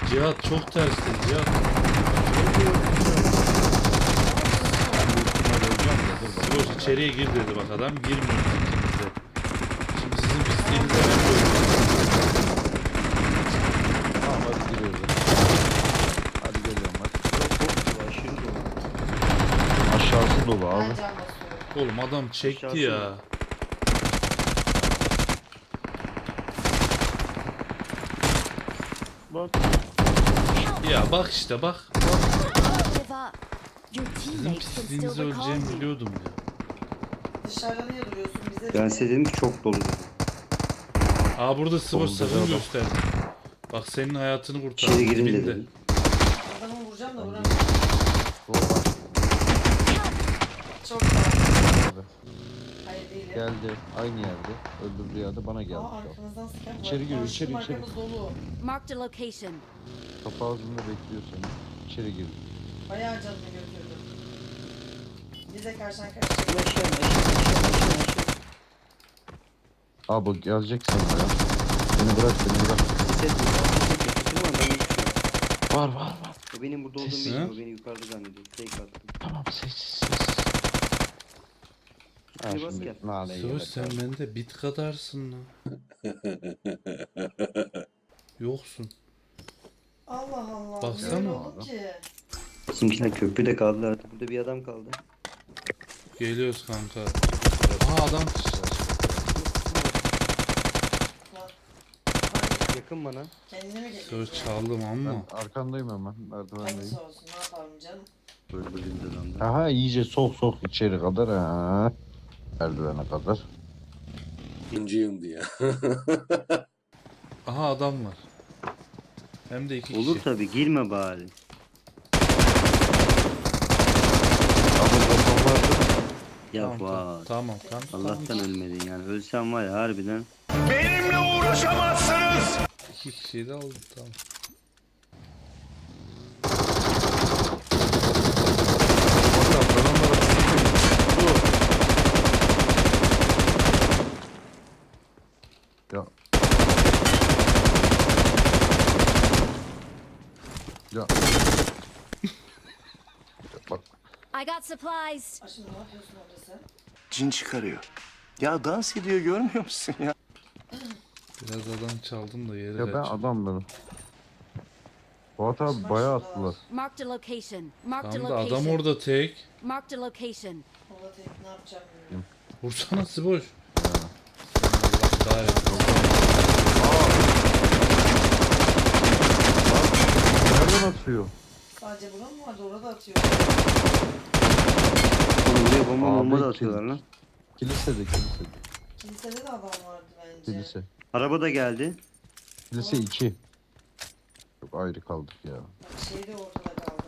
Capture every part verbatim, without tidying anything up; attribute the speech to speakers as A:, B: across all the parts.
A: Cihat çok tersten Cihat. Dur içeriye gir dedi bak adam. Girmiyor ikimize. Şimdi sizin pisliğinize ben koyuyorum.
B: Tamam hadi giriyoruz. Hadi geliyorum hadi.
C: Aşırı dolu.
B: Aşağısı dolu
D: Ben
B: abi.
D: can basıyorum.
A: Oğlum adam çekti
C: Aşağısı
A: ya.
C: mı? Bak.
A: Ya bak işte bak.
E: Give up. Your
A: Sizin
E: teammates can still
A: pisliğinize
E: recall
A: öleceğimi
E: you.
A: biliyordum ya.
D: Dışarıda niye duruyorsun? Bize
C: Ben size dedim ki çok dolu dedim.
A: Aa burada sıvır
B: Solda
A: sakın
B: adam.
A: gösterdi. Bak senin hayatını kurtardı.
C: İçeri girin
A: dibinde.
C: dedim.
D: adamı vuracağım da vuramıyorum.
B: Sol var.
D: Çok sağ ol.
B: Abi.
D: Hayır değilim.
B: Geldi. Aynı yerde. Öldürdüğü yerde bana geldi.
D: Aa arkanızdan sıkan var.
B: İçeri giriyor,
D: Karşım,
B: içeri, içeri.
D: arkamız dolu.
E: Marked a location.
B: Kapı ağzında bekliyor seni. İçeri gir.
D: Bayağı canını götürdüm. Bize karşıdan karşıya.
C: Aşağı aşağı aşağı aşağı.
B: Abi gelecek sana ya. Beni bırak beni bırak.
C: Ses mi? Ses mi? Ben geçiyorum.
B: Var var var.
C: O benim burada olduğumu
A: Ses
C: bilmiyor.
A: mi?
C: O beni yukarıda zannediyor. Fake attım.
B: Tamam sessiz sessiz. Ha
C: Hadi bas
B: şimdi
C: gel.
B: naneyi
A: Sıvır
B: yemek
A: sen
B: lazım.
A: bende bit kadarsın lan. Yoksun.
D: Allah Allah.
A: Baksana
D: Böyle oldu
B: abi.
D: ki.
C: Bizimkiler köprüde kaldılar artık. Burada bir adam kaldı.
A: Geliyoruz kanka. Aa adam.
C: Yakın bana.
D: Kendine mi
A: Sıvır
D: geliyorsun?
A: çaldım ama.
B: Ben arkandayım hemen. Merdivendeyim.
D: Hangisi olsun ne yapalım canım.
C: Böyle böyle bir adamdı.
B: Aha iyice sok sok içeri kadar ha. Merdivene kadar.
F: İnciyim diye.
A: Aha adam var. Hem de iki kişi.
C: Olur tabi girme bari.
B: Abi babam vardı.
C: Ya
A: Tamam tamam.
C: vay.
A: Tamam tamam.
C: Allah'tan ölmedin yani. Ölsen var ya harbiden.
A: İki kişiyi de aldım tamam.
B: Ya. Ya. Bak.
E: I got supplies.
D: Aa, şimdi ne yapıyorsun orada sen?
F: Cin çıkarıyor. Ya dans ediyor görmüyor musun ya?
A: Biraz adam çaldım da yere
B: Ya ben
A: kaçtım.
B: adam benim. Fuat abi bayağı attılar.
E: Marked a location. Marked a
A: Tamam da adam
E: location.
A: orada tek.
E: Marked a location.
D: Kola tek ne yapacağım bilmiyorum.
A: Vursana Sıboş. Allah kahretsin.
B: Nereden atıyor?
D: Sadece buna mı vardı? Orada atıyor.
C: Oğlum buraya bomba
B: Abi,
C: bomba da
B: kim?
C: atıyorlar lan.
B: Kilisede kilisede.
D: Kilisede de adam vardı bence.
B: Kilise.
C: Araba da geldi.
B: Kilise iki. Çok ayrı kaldık ya.
D: Bak şey de ortada kaldı.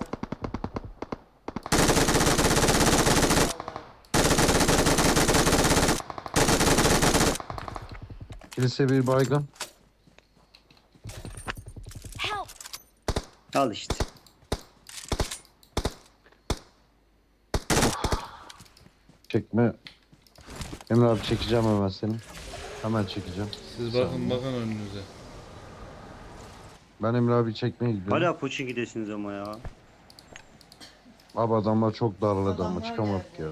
B: Kilise bir baygın.
E: Help!
C: Al işte.
B: Çekme. Emre abi çekeceğim hemen seni. Hemen çekeceğim.
A: Siz bakın bakın önünüze.
B: Ben Emre abi çekmeye gidiyorum.
C: Hala poçin gidesiniz ama ya.
B: Abi adamlar çok darladı ama
D: Adamlar
B: çıkamadık
D: geldi.
B: ya.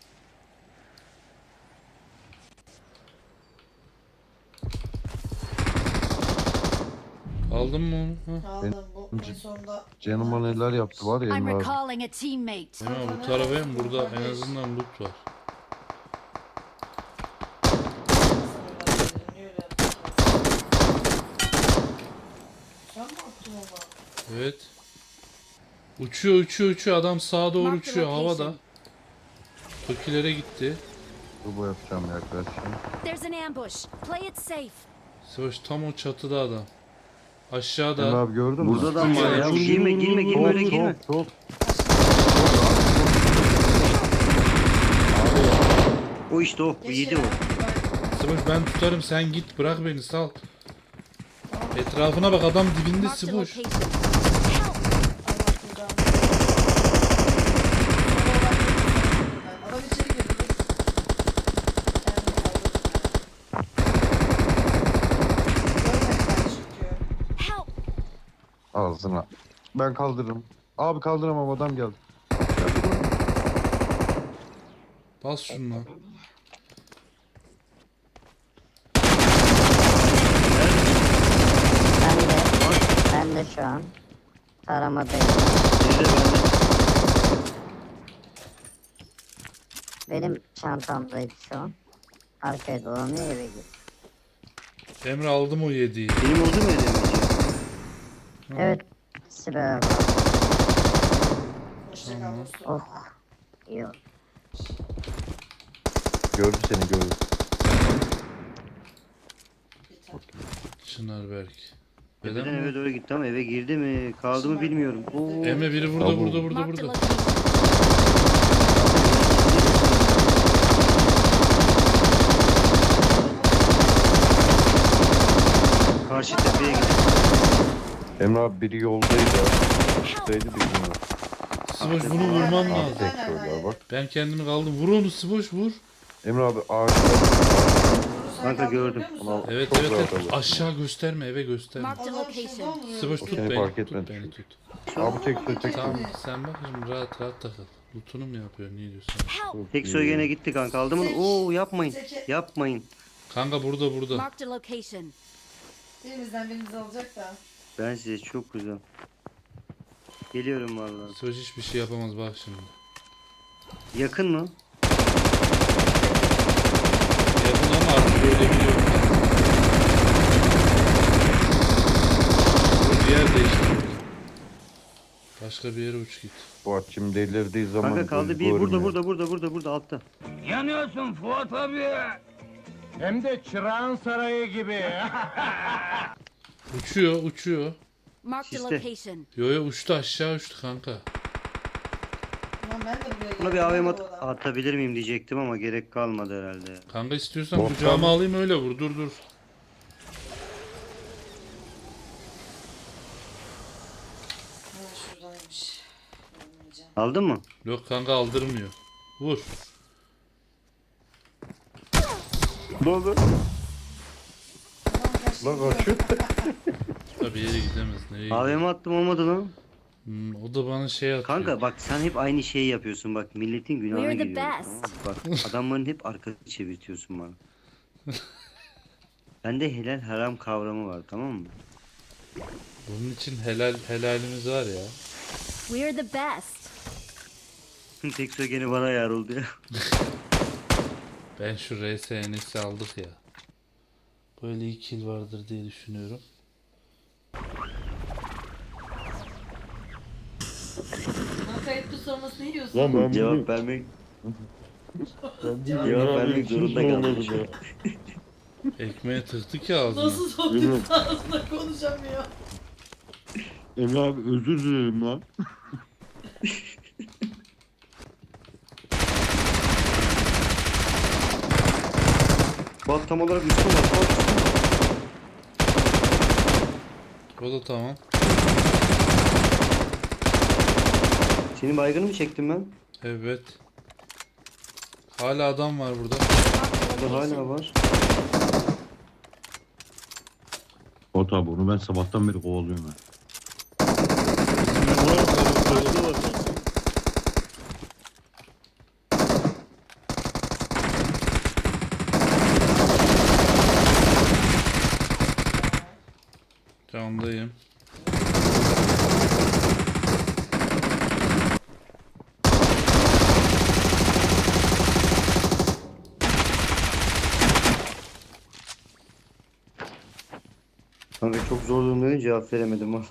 A: Aldın mı onu? Ha?
D: Aldım bu en sonunda.
B: Canıma neler yaptı var ya
E: I'm
B: Emre abi.
E: recalling a teammate.
A: Ya bu tarafa hem burada en azından loot var.
D: Niye öyle Sen mi attın onu?
A: Evet. Uçuyor uçuyor uçuyor adam sağa doğru
E: Mark the
A: uçuyor havada.
E: location.
A: Tokilere gitti.
B: Turbo yapacağım yaklaşacağım.
E: There's an ambush. Play it safe.
A: Savaş tam o çatıda adam.
B: Emre
A: Aşağıda.
B: abi gördün mü?
C: Burada da mı var ya?
A: Vur, vur,
C: Girme
A: vur,
C: girme
A: vur,
C: girme
A: vur,
C: öyle
A: vur.
C: girme.
B: Çok çok.
C: O işte o. Bu yedi o.
A: Savaş ben tutarım sen git bırak beni sal. Etrafına bak adam dibinde
E: Marked a
A: Sıboş.
E: location. Help!
D: Adam içeri girdi. Kendini kaldırdı. Görmediler çünkü.
E: Help!
B: Ağzına. Ben kaldırırım. Abi kaldıramam, adam geldi.
A: Bas şunu.
G: Ben de, ben de şu an taramadayım.
C: Biri de bende.
G: Benim çantamdaydı şu an. Arkaya dolanıyor eve gidiyor.
A: Emre aldım o yediği.
C: Benim oldu mu edemeyeceğim?
G: Evet. İkisi beraber.
D: Hoşça kal dostum.
G: Oh. İyi oldu.
B: Gördü seni, gördü.
D: Biter.
A: Çınar Berk.
C: Birden
A: Neden
C: eve
A: mi?
C: doğru gitti ama eve girdi mi kaldı mı bilmiyorum. Oo.
A: Emre biri burada
B: Abo.
A: burada burada
E: Marked a
A: burada.
E: location.
C: Karşı tepeye gitti.
B: Emre abi biri yoldaydı. Işıktaydı bilmiyorum.
A: Sıboş bunu vurman lazım.
B: Tek şöyle bak.
A: Ben kendimi kaldım. Vur onu Sıboş vur.
B: Emre abi ağaçta.
D: Sen
C: Kanka gördüm.
D: kaldırabiliyor musun?
B: Ulan
A: Evet
B: çok
A: evet,
B: rahat
A: evet.
B: alır.
A: Aşağı gösterme, eve gösterme.
E: Marked a
D: Adam şuradan
E: location.
D: vuruyor.
A: Sıboş tut
B: Seni
A: beni,
B: fark
A: tut
B: etmedi
A: beni
B: çünkü.
A: tut.
B: Abi tek tek tek.
A: Tamam sen bak şimdi rahat rahat takıl. Lootunu mu yapıyor, ne diyorsun?
E: Help!
C: Tek soy gene gitti kanka aldı mı?
D: Tek-
C: Oo yapmayın.
D: Tek-
C: Yapmayın.
A: Kanka burada burada.
E: Marked a location.
D: Birimizden birimizi alacak da.
C: Ben size çok güzel. Geliyorum vallahi.
A: Sıboş hiçbir şey yapamaz bak şimdi.
C: Yakın mı?
A: Yakın ama artık öyle bir yok. Bir yer değiştir. Başka bir yere uç git.
B: Fuat şimdi delirdiği zaman.
C: Kanka kaldı
B: gözü
C: bir burada
B: görmüyor.
C: burada burada burada burada altta.
H: Yanıyorsun Fuat abi. Hem de Çırağan Sarayı gibi.
A: Uçuyor uçuyor.
E: Marked a
C: Siste.
E: location.
A: Yo yo uçtu aşağı uçtu kanka.
D: Ulan ben de buraya
C: Buna bir
D: geldim.
C: A V M
D: Bu
C: at-
D: adam.
C: atabilir miyim diyecektim ama gerek kalmadı herhalde. ya.
A: Kanka istiyorsan
B: Volkan.
A: kucağıma alayım öyle vur dur dur.
D: Ha, şuradaymış. Görmeyeceğim.
C: Aldın mı?
A: Yok kanka aldırmıyor. Vur.
B: Ne oldu?
D: Adam kaçtı
B: Lan
D: gidiyor.
B: kaçıyor.
A: Tabii yere gidemez. Nereye
C: A V
A: gidiyor?
C: M attım olmadı lan.
A: Hmm, o da bana şey atıyor.
C: Kanka bak sen hep aynı şeyi yapıyorsun bak milletin günahına
E: We're the
C: giriyorsun.
E: best.
C: Tamam mı? Bak adamların hep arkasını çevirtiyorsun bana. Bende helal haram kavramı var tamam mı?
A: Bunun için helal helalimiz var ya.
E: We're the best.
C: Tek soy gene bana yar oldu ya.
A: Ben şu R S N S'i aldık ya. Böyle iyi kill vardır diye düşünüyorum.
D: Lan kayıtlı sorması ne diyorsun?
B: Lan ben
C: Cevap vermek
B: Ben
C: cevap vermek zorunda kaldım şu an.
A: Ekmeğe tıktık ya ağzına.
D: Nasıl sohbet ağzında konuşamıyor?
B: Emre abi özür dilerim lan.
C: Bak tam olarak üstüm var. Bak üstüm var.
A: O da tamam.
C: Senin baygını mı çektim ben?
A: Evet. Hala adam var burada.
E: Marked a
C: Burada hala
E: location.
C: var.
B: Fuat abi onu ben sabahtan beri kovalıyorum ben.
A: Candayım.
C: Kanka çok zor durumdayım cevap veremedim ha.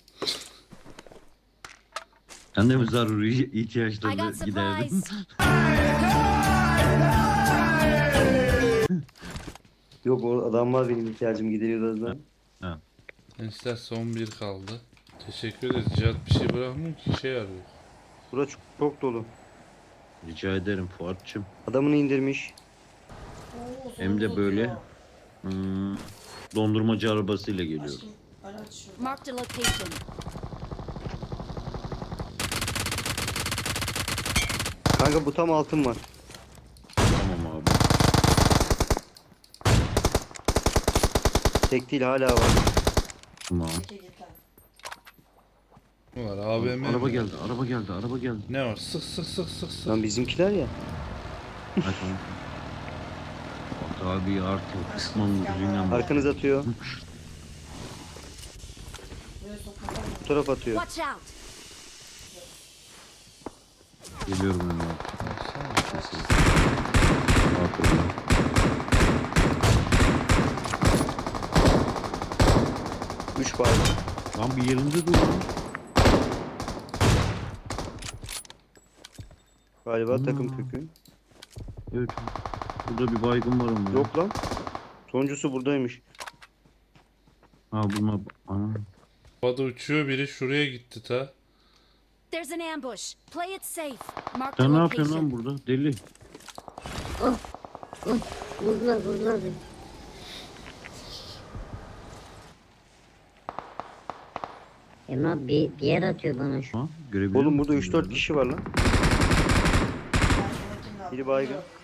B: Sen de mi zaruri
E: I got
B: ihtiyaçlarına giderdin?
E: supplies.
C: Yok o adam var benim ihtiyacım gideriyordu az daha.
A: Gençler son bir kaldı. Teşekkür ederiz. Cihat bir şey bırakmıyor ki şey arıyor.
C: Bura çok, çok dolu.
B: Rica ederim Fuat'cığım.
C: Adamını indirmiş.
D: Oo,
B: Hem de
D: solumuz
B: böyle.
D: atıyor.
B: Hmm, dondurmacı arabasıyla geliyor.
D: Aşkım araç şurada.
E: Marked a location.
C: Kanka bu tam altın var.
B: Tamam abi.
C: Tek değil hala var.
B: Tamam.
D: Çeke git lan.
A: Var A V M.
B: Araba
A: mi?
B: geldi, araba geldi, araba geldi.
A: Ne var? Sık sık sık sık sık.
C: Lan bizimkiler ya.
B: Hadi tamam. Bak abi artık kısmam gücüyle bak.
C: Arkanız atıyor.
D: Buraya sokmadan mı?
C: Bu taraf atıyor.
E: Watch out!
B: Geliyorum önüne.
A: Baksana.
B: Aferin.
C: Üç baygın.
B: Lan bir yerinde dur lan.
C: Galiba
B: Hmm.
C: takım kökü.
B: Evet. Burada bir baygın var ama.
C: Yok lan. Sonuncusu buradaymış.
B: Ha bunlar. Ana.
A: Havada uçuyor, biri şuraya gitti ta.
E: There's an ambush. Play it safe. Mark the
B: Sen ne yapıyorsun lan
E: location.
B: burada? Deli.
G: Vurdular vurdular beni. Emre abi bir, bir yer atıyor bana şu.
B: Ha? Görebiliyor
C: Oğlum burada
B: musun
C: üç dört
B: nerede?
C: kişi var lan.
D: Ben sana kimle attım?
C: Biri baygın.
D: Dur, dur.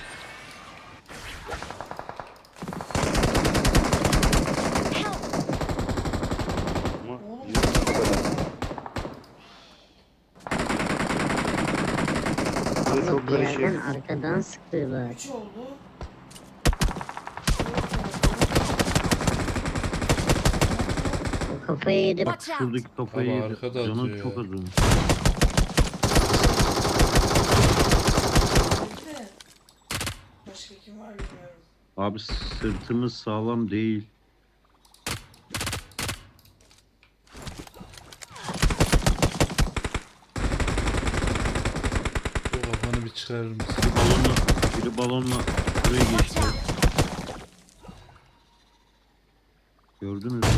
C: Ama
D: Oğlum.
C: yine bu kadar. Burada çok
G: Bir yerden
C: karışık.
G: arkadan sıkıyorlar.
D: Üç oldu.
G: O kafayı yedi.
E: Watch out!
B: Şuradaki kafayı
A: Ama
B: yedi.
A: arkada
B: Canı
A: atıyor
B: çok
A: ya.
B: az onun.
D: Bir de başka kim var bilmiyorum.
B: Abi sırtımız sağlam değil.
A: Bu kafanı bir çıkarır mısın?
B: Biri balonla, biri balonla buraya
E: Watch
B: geçti.
E: out!
B: Gördünüz mü?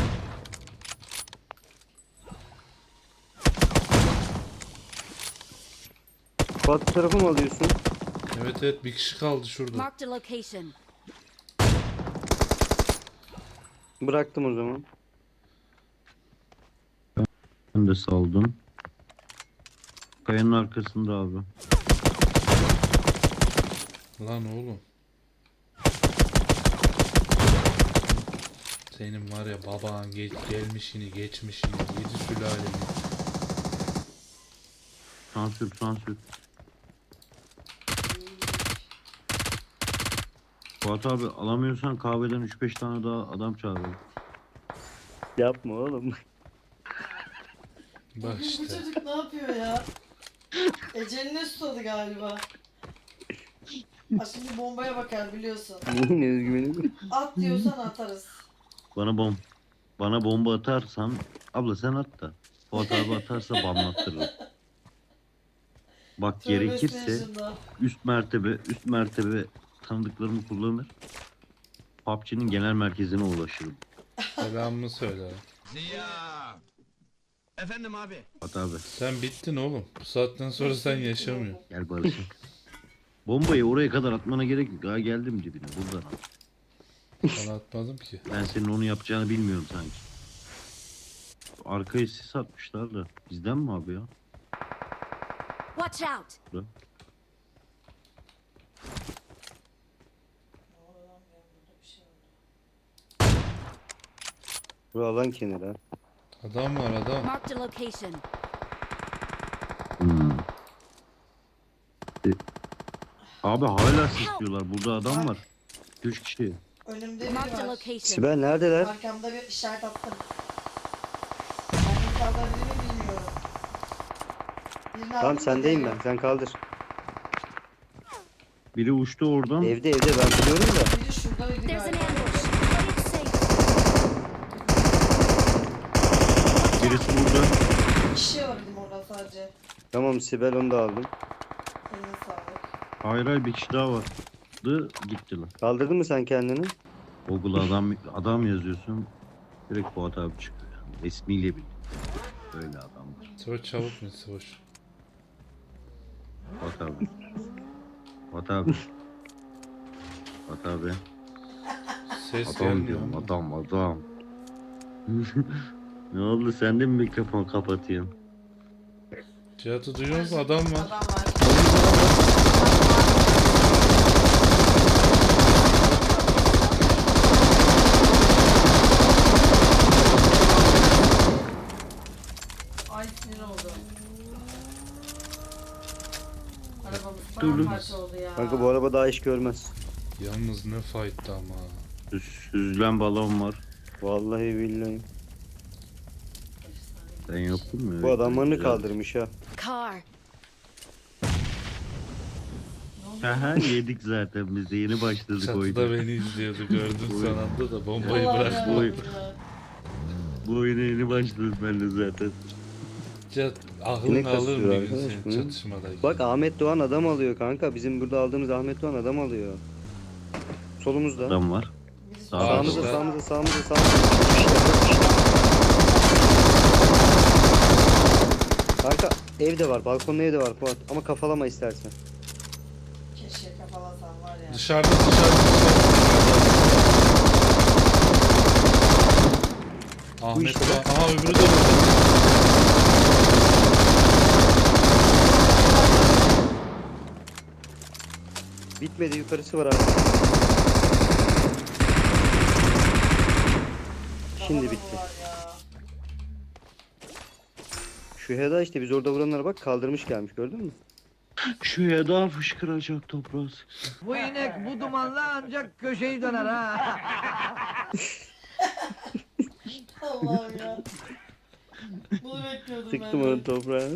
C: Fatih tarafı mı alıyorsun?
A: Evet evet, bir kişi kaldı şurada.
E: Marked a location.
C: Bıraktım o zaman.
B: Ben de saldım. Kayanın arkasında abi.
A: Lan oğlum. Senin var ya baban geç, gelmişini geçmişini yedi sülaleni.
B: Sansür sansür. Fuat abi alamıyorsan kahveden üç beş tane daha adam çağıralım.
C: Yapma oğlum.
A: Bak
D: Bu
A: işte.
D: çocuk ne yapıyor ya? Eceline susadı galiba. Ha şimdi bombaya bakar biliyorsun.
C: Yine özgüvenim.
D: At diyorsan atarız.
B: Bana bom bana bomba atarsan abla sen at da. Fuat abi atarsa bamlattırırım. Bak
D: Tövbe
B: gerekirse
D: estağfurullah.
B: üst mertebe üst mertebe tanıdıklarımı kullanır. P U B G'nin genel merkezine ulaşırım.
A: Selamımı söyle.
H: Ziya. Efendim abi.
B: Fuat abi
A: Sen bittin oğlum. Bu saatten sonra sen yaşamıyorsun.
B: gel barışın. Bombayı oraya kadar atmana gerek yok. Daha geldim dibine buradan at.
A: Ben atmadım ki.
B: Ben senin onu yapacağını bilmiyorum sanki. Arkaya sis atmışlar da. Bizden mi abi ya?
E: Watch out!
C: Bu alan kenara.
A: Adam var adam.
E: Marked a location.
B: Hmm. E, abi hala sisliyorlar. Burada adam var. Üç kişi.
D: Önümde
E: Marked a
D: biri var.
E: location.
C: Sibel neredeler?
D: Arkamda bir işaret attım. Arkamda kaldırabilir mi bilmiyorum. Birini
C: Tamam
D: aldım da
C: sendeyim
D: geliyor.
C: ben. Sen kaldır.
B: Biri uçtu oradan.
C: Evde evde ben biliyorum da.
D: Biri şurada ve biri
E: There's an
D: galiba.
E: ambush. Play it safe.
B: Birisi burada.
D: Bir kişi var bizim orada sadece.
C: Tamam Sibel onu da aldım.
D: Eline sağlık.
B: Hayır hayır bir kişi daha vardı. Gitti lan.
C: Kaldırdın mı sen kendini?
B: Google'a adam adam yazıyorsun. Direkt Fuat abi çıkıyor. Yani. İsmiyle bil. Öyle adamlar.
A: Sıvoş çabuk mu Sıvoş?
B: Fuat abi. Fuat abi. Fuat abi.
A: Ses
B: Adam
A: gelmiyor
B: diyorum
A: mu?
B: adam adam. Ne oldu sen de mi mikrofon kapatıyorsun?
A: Cihat'ı duyuyor musun? Adam var.
D: Adam var. Ay sinir oldu. Arabamız
B: Dur, dur.
D: paramparça oldu ya.
C: Kanka bu araba daha iş görmez.
A: Yalnız ne fight'tı ama.
B: Süz- Süzülen balon var.
C: Vallahi billahi.
B: Sen yoktun mu?
C: Bu adamlarını
B: Güzel.
C: kaldırmış ha.
E: Car.
B: Aha yedik zaten biz de yeni başladık
A: Çatıda
B: oyuna.
A: beni izliyordu gördün son anda da bombayı
D: Allah'ım
A: bıraktı.
D: ya.
B: Oy. Bu oyuna yeni başladık ben de zaten.
A: Cat,
C: Ne
A: aklın alır
C: kasıyor
A: bir gün
C: arkadaş
A: senin
C: bu?
A: çatışmadayken.
C: Bak Ahmet Doğan adam alıyor kanka. Bizim burada aldığımız Ahmet Doğan adam alıyor. Solumuzda.
B: Adam var.
D: Birisi
B: Sağ-
C: Sağımızda,
A: Ağaçta.
C: sağımızda, sağımızda, sağımızda. Kanka evde var, balkonda evde var Fuat. Ama kafalama istersen.
D: Keşke kafalasam var ya.
A: Dışarıda dışarıda dışarıda. Ahmet
C: işte
A: Doğan. Aha öbürü de burada.
C: Bitmedi, yukarısı var abi. Şimdi
D: Kafada
C: bitti.
D: bu var ya.
C: Şu Heda işte biz orada vuranlara bak kaldırmış gelmiş gördün mü?
B: Şu ya daha fışkıracak toprağı sıksın.
H: Bu inek bu dumanla ancak köşeyi döner ha.
D: Allah'ım ya. Bunu bekliyordum ben.
C: Sıktım
D: de.
C: onun toprağını.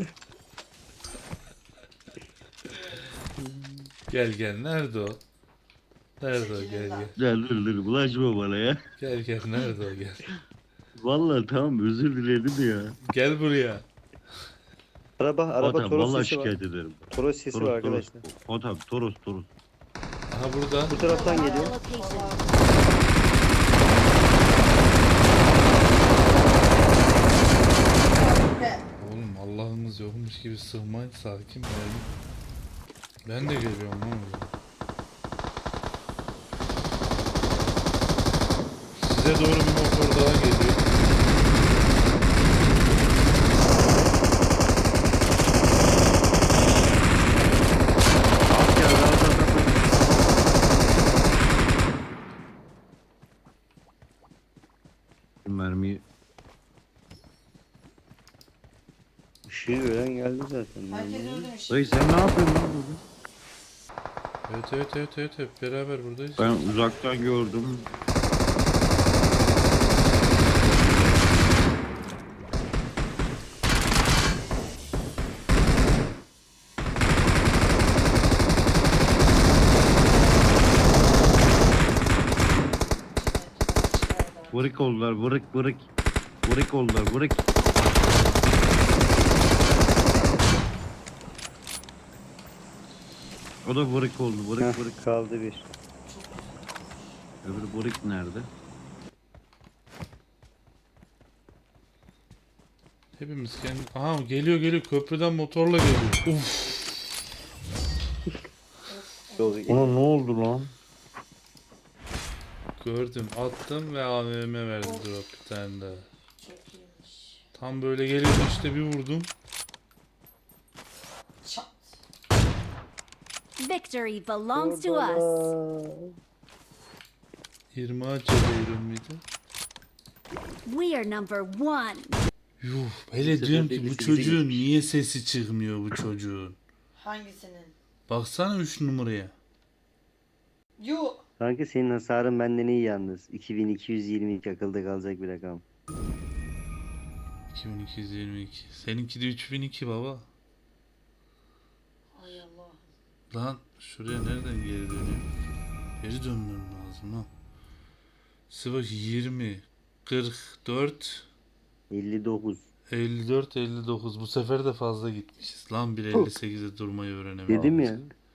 A: Gel gel nerede o? Nerede o gel gel.
B: Gel dur dur bulaşma bana ya.
A: Gel gel nerede o gel.
B: Vallahi tamam özür diledim ya.
A: Gel buraya.
C: Araba, araba
B: Fuat abi
C: Toros
B: vallahi
C: sesi var.
B: şikayet ederim.
C: Toros sesi
B: Toros
C: var
B: Toros.
C: arkadaşlar.
B: Fuat abi Toros Toros.
A: Aha burada.
C: Bu taraftan geliyor.
E: Location.
D: Be.
A: Oğlum Allah'ımız yokmuş gibi sığmayın sakin olun. Ben de geliyorum lan oraya. Size doğru bir motor daha geliyor.
B: At gel at at at. Şu mermiyi
C: Işığı gören geldi zaten.
D: Herkes öldü mü şimdi?
B: dayı sen ne yapıyorsun lan burada?
A: Evet evet evet evet hep beraber buradayız.
B: Ben uzaktan gördüm. Vırık oldular vırık vırık. Vırık oldular vırık. O da vırık oldu vırık
C: Heh,
B: vırık.
C: kaldı bir.
B: Öbürü vırık nerede?
A: Hepimiz kendi... Aha geliyor geliyor köprüden motorla geliyor. Uf.
C: Yolu
B: Ona ne oldu lan?
A: Gördüm attım ve A V M verdi drop bir tane daha.
D: Çok iyiymiş.
A: Tam böyle geliyordu işte bir vurdum.
D: Çat.
E: Victory belongs to us.
A: yirmi ağaç ediyorum mıydı?
E: We are number one.
A: Yuh hele
C: sefer
A: diyorum
C: de
A: ki bu
C: birisi bize
A: çocuğun
C: gitmiş.
A: niye sesi çıkmıyor bu çocuğun.
D: Hangisinin?
A: Baksana üç numaraya.
D: Yu.
C: Kanka senin hasarın benden iyi yalnız. iki bin iki yüz yirmi iki akılda kalacak bir rakam.
A: iki bin iki yüz yirmi iki. Seninki de üç bin iki baba.
D: Ay Allah.
A: Lan şuraya nereden geri dönüyor? Geri dönmem lazım ha. Sivas yirmi, kırk dört,
C: elli dokuz.
A: elli dört, elli dokuz. Bu sefer de fazla gitmişiz. Lan bir elli sekize durmayı öğrenemedim.
C: Dedim ya.